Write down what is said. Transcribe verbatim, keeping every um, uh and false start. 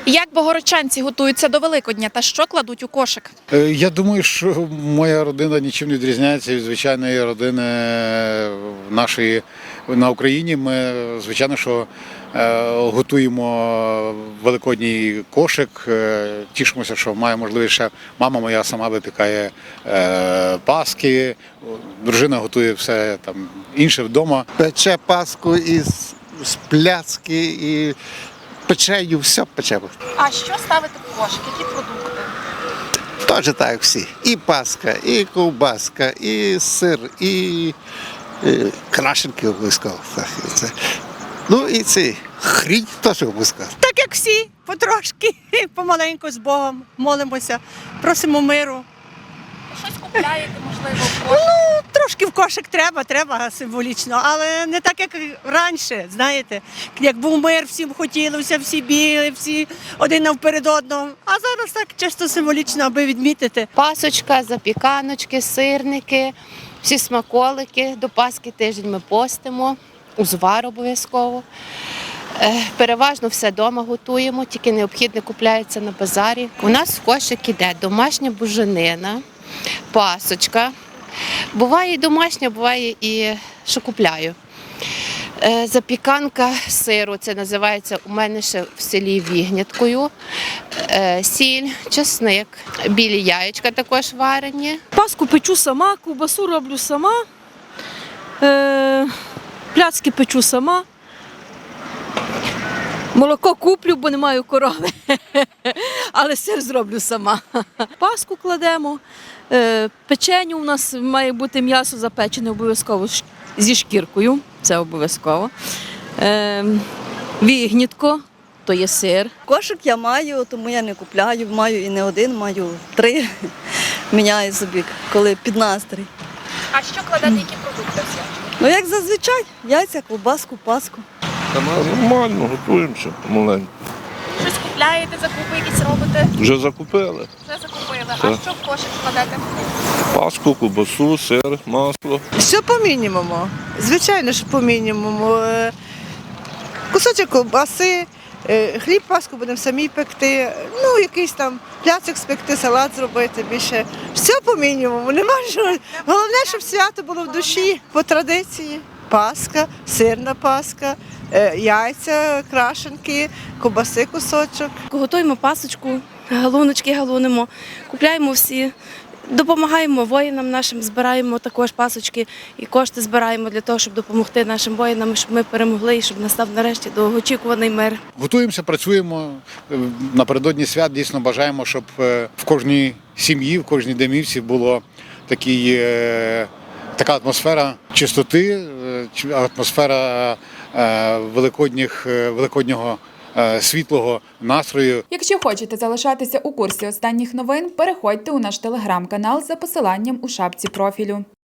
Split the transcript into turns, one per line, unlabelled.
Як богородчанці готуються до Великодня та що кладуть у кошик?
Я думаю, що моя родина нічим не відрізняється від звичайної родини нашої на Україні. Ми, звичайно, що готуємо великодній кошик. Тішимося, що має можливість ще мама моя сама випікає паски, дружина готує все там інше вдома.
Пече паску із з пляцки і печею, все пече.
А що ставити в кошик? Які продукти?
Теж так, як всі. І паска, і ковбаска, і сир, і, і крашенки обов'язково. Так, це. Ну і ці хрінь теж обов'язково.
Так як всі, потрошки, помаленьку з Богом молимося, просимо миру.
Щось купляєте, можливо, в кошик?
Ну, трошки в кошик треба, треба символічно, але не так, як раніше, знаєте. Як був мир, всім хотілося, всі бігли, всі один навперед одного. А зараз так чисто символічно, аби відмітити.
Пасочка, запіканочки, сирники, всі смаколики. До Пасхи тиждень ми постимо, узвар обов'язково. Переважно все вдома готуємо, тільки необхідне купляється на базарі. У нас в кошик іде домашня буженина, пасочка. Буває і домашня, буває і що купляю. Запіканка сиру, це називається у мене ще в селі вігняткою. Сіль, чесник, білі яєчка також варені.
Паску печу сама, ковбасу роблю сама, е, пляцки печу сама. Молоко куплю, бо не маю корови, але сир зроблю сама. Паску кладемо, е, печеню у нас має бути м'ясо запечене обов'язково зі шкіркою, це обов'язково. Е, вігнітко, то є сир.
Кошик я маю, тому я не купляю, маю і не один, маю три. Міняю собі, коли під настрій.
А що кладете, які продукти всі?
Ну як зазвичай, яйця, ковбаску, паску.
Нормально, готуємося помаленьку.
Щось купляєте, закупи якісь робите?
Вже закупили.
Вже закупили.
Так.
А що в кошик кладете?
Паску, ковбасу, сир, масло.
Все по мінімуму. Звичайно, що по мінімуму. Е, Кусочок ковбаси, е, хліб, паску будемо самі пекти, ну якийсь там пляцик спекти, салат зробити більше. Все по мінімуму. Нема що. Головне, щоб свято було в душі по традиції. Паска, сирна паска, е, яйця, крашенки, ковбаси кусочок.
Готуємо пасочку, галуночки галунимо, купляємо всі, допомагаємо воїнам нашим, збираємо також пасочки і кошти збираємо для того, щоб допомогти нашим воїнам, щоб ми перемогли і щоб настав нарешті довгоочікуваний мир.
Готуємося, працюємо. Напередодні свят дійсно бажаємо, щоб в кожній сім'ї, в кожній домівці було такий, така атмосфера чистоти, атмосфера великодніх, великоднього світлого настрою.
Якщо хочете залишатися у курсі останніх новин, переходьте у наш телеграм-канал за посиланням у шапці профілю.